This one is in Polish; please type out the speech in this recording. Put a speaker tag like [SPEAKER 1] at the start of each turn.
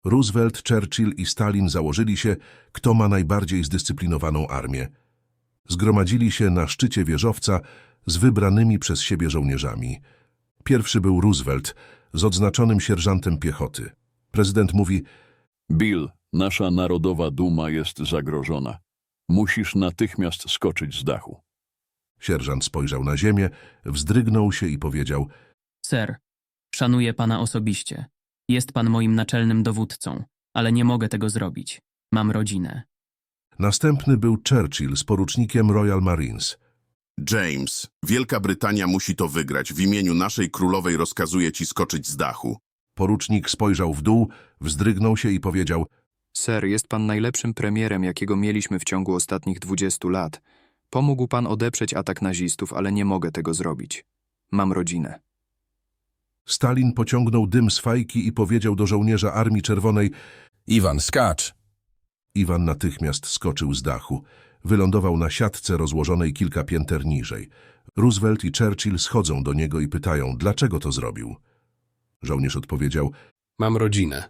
[SPEAKER 1] Roosevelt, Churchill i Stalin założyli się, kto ma najbardziej zdyscyplinowaną armię. Zgromadzili się na szczycie wieżowca z wybranymi przez siebie żołnierzami. Pierwszy był Roosevelt z odznaczonym sierżantem piechoty. Prezydent mówi:
[SPEAKER 2] Bill, nasza narodowa duma jest zagrożona. Musisz natychmiast skoczyć z dachu.
[SPEAKER 1] Sierżant spojrzał na ziemię, wzdrygnął się i powiedział:
[SPEAKER 3] Ser, szanuję pana osobiście. Jest pan moim naczelnym dowódcą, ale nie mogę tego zrobić. Mam rodzinę.
[SPEAKER 1] Następny był Churchill z porucznikiem Royal Marines.
[SPEAKER 4] James, Wielka Brytania musi to wygrać. W imieniu naszej królowej rozkazuję ci skoczyć z dachu.
[SPEAKER 1] Porucznik spojrzał w dół, wzdrygnął się i powiedział:
[SPEAKER 5] Ser, jest pan najlepszym premierem, jakiego mieliśmy w ciągu ostatnich 20 lat. Pomógł pan odeprzeć atak nazistów, ale nie mogę tego zrobić. Mam rodzinę.
[SPEAKER 1] Stalin pociągnął dym z fajki i powiedział do żołnierza Armii Czerwonej:
[SPEAKER 6] Iwan, skacz!
[SPEAKER 1] Iwan natychmiast skoczył z dachu. Wylądował na siatce rozłożonej kilka pięter niżej. Roosevelt i Churchill schodzą do niego i pytają, dlaczego to zrobił. Żołnierz odpowiedział:
[SPEAKER 6] Mam rodzinę.